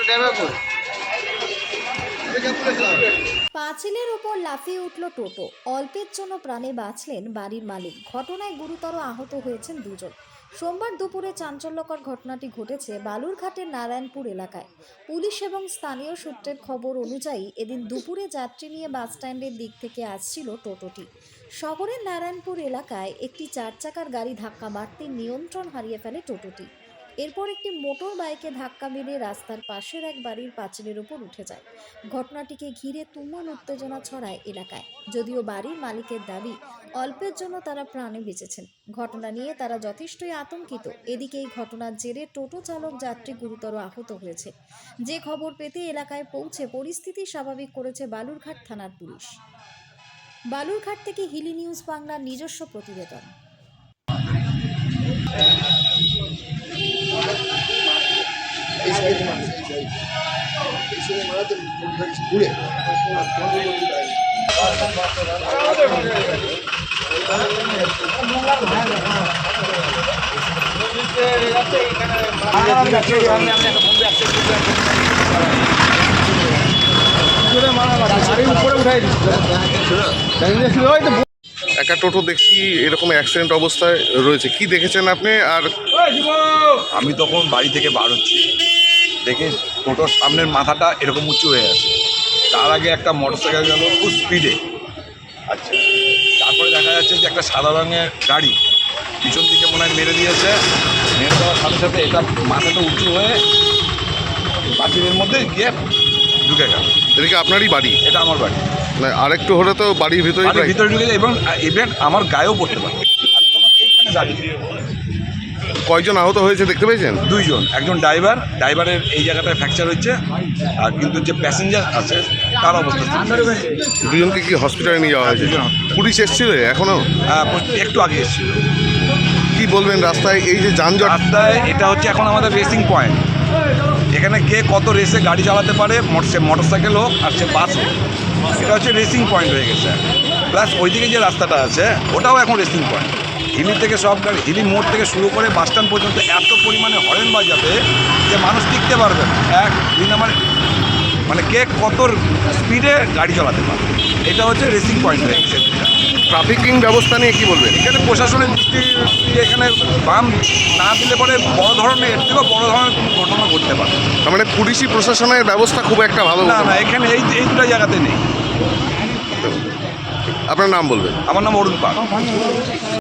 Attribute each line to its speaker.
Speaker 1: পাঁচিলের ওপর লাফিয়ে উঠল টোটো, অল্পের জন্য প্রাণে বাঁচলেন বাড়ির মালিক। ঘটনায় গুরুতর আহত হয়েছেন দুজন। সোমবার দুপুরে চাঞ্চল্যকর ঘটনাটি ঘটেছে বালুরঘাটের নারায়ণপুর এলাকায়। পুলিশ এবং স্থানীয় সূত্রের খবর অনুযায়ী এদিন দুপুরে যাত্রী নিয়ে বাসস্ট্যান্ডের দিক থেকে আসছিল টোটোটি। শহরের নারায়ণপুর এলাকায় একটি 4 চাকার গাড়ি ধাক্কা মারতে নিয়ন্ত্রণ হারিয়ে ফেলে টোটোটি। এরপর একটি মোটর বাইকে ধাক্কা মেরে রাস্তার পাশের এক বাড়ির পাঁচিলের উপর উঠে যায়। ঘটনাটিকে ঘিরে তুমুল উত্তেজনা ছড়ায় এলাকায়। যদিও বাড়ির মালিকের দাবি অল্পের জন্য তারা প্রাণে বেঁচেছেন। ঘটনা নিয়ে তারা যথেষ্টই আতঙ্কিত। এদিকে এই ঘটনার জেরে টোটো চালক যাত্রী গুরুতর আহত হয়েছে। যে খবর পেতে এলাকায় পৌঁছে পরিস্থিতি স্বাভাবিক করেছে বালুরঘাট থানার পুলিশ। বালুরঘাট থেকে হিলি নিউজ বাংলার নিজস্ব প্রতিবেদন।
Speaker 2: একটা টোটো দেখছি এরকম অ্যাক্সিডেন্ট অবস্থায় রয়েছে, কি দেখেছেন আপনি? আর
Speaker 3: আমি তখন বাড়ি থেকে বার হচ্ছি, দেখে টোটোর সামনের মাথাটা এরকম উঁচু হয়ে আছে। তার আগে একটা মোটরসাইকেল গেল খুব স্পিডে। আচ্ছা, তারপরে দেখা যাচ্ছে যে একটা সাদা রঙের গাড়ি পিছন দিকে মনে হয় মেরে দিয়েছে। মেরে দেওয়ার সাথে সাথে এটা মাথাটা উঁচু হয়ে পাঁচিলের মধ্যে গিয়ে ঢুকে গেল।
Speaker 2: এটা কি আপনারই বাড়ি?
Speaker 3: এটা আমার বাড়ি।
Speaker 2: না, আরেকটু হলে তো বাড়ির ভিতরে
Speaker 3: ভিতরে ঢুকে যায় এবং ইভেন্ট আমার গায়েও পড়তে পারে। আমি তখন এইখানে দাঁড়িয়ে।
Speaker 2: কয়জন আহত হয়েছে দেখতে পেয়েছেন?
Speaker 3: দুইজন, একজন ড্রাইভারের এই জায়গাটায় ফ্র্যাকচার হচ্ছে, আর কিন্তু যে প্যাসেঞ্জার আছে তার অবস্থা
Speaker 2: দুজনকে কি হসপিটালে নিয়ে যাওয়া হয়েছে? পুলিশ এসেছিল এখনো?
Speaker 3: হ্যাঁ, একটু আগে এসেছিল।
Speaker 2: কি বলবেন রাস্তায় এই যে যানজট?
Speaker 3: রাস্তায় এটা হচ্ছে এখন আমাদের রেসিং পয়েন্ট। এখানে কে কত রেসে গাড়ি চালাতে পারে, সে মোটরসাইকেল হোক আর সে বাস হোক, এটা হচ্ছে রেসিং পয়েন্ট হয়ে গেছে। প্লাস ওইদিকে যে রাস্তাটা আছে ওটাও এখন রেসিং পয়েন্ট। হিলি থেকে সব গাড়ি, হিলি মোড় থেকে শুরু করে বাস স্ট্যান্ড পর্যন্ত এত পরিমাণে হরেন বাজাবে যে মানুষ টিকতে পারবে না। এক দুই নাম্বার মানে কে কত স্পিডে গাড়ি চালাতে পারে, এটা হচ্ছে রেসিং পয়েন্ট হয়ে গেছে।
Speaker 2: ট্রাফিকিং ব্যবস্থা নিয়ে কি বলবেন?
Speaker 3: এখানে প্রশাসনের দৃষ্টি এখানে বাম না দিলে পরে বড় ধরনের, এর থেকেও বড় ধরনের কোনো ঘটনা ঘটতে পারে।
Speaker 2: তার মানে পুলিশি প্রশাসনের ব্যবস্থা খুব একটা ভালো
Speaker 3: না না, এখানে এই দুটো জায়গাতে নেই।
Speaker 2: আপনার নাম বলবেন?
Speaker 3: আমার নাম অরুণ পাল।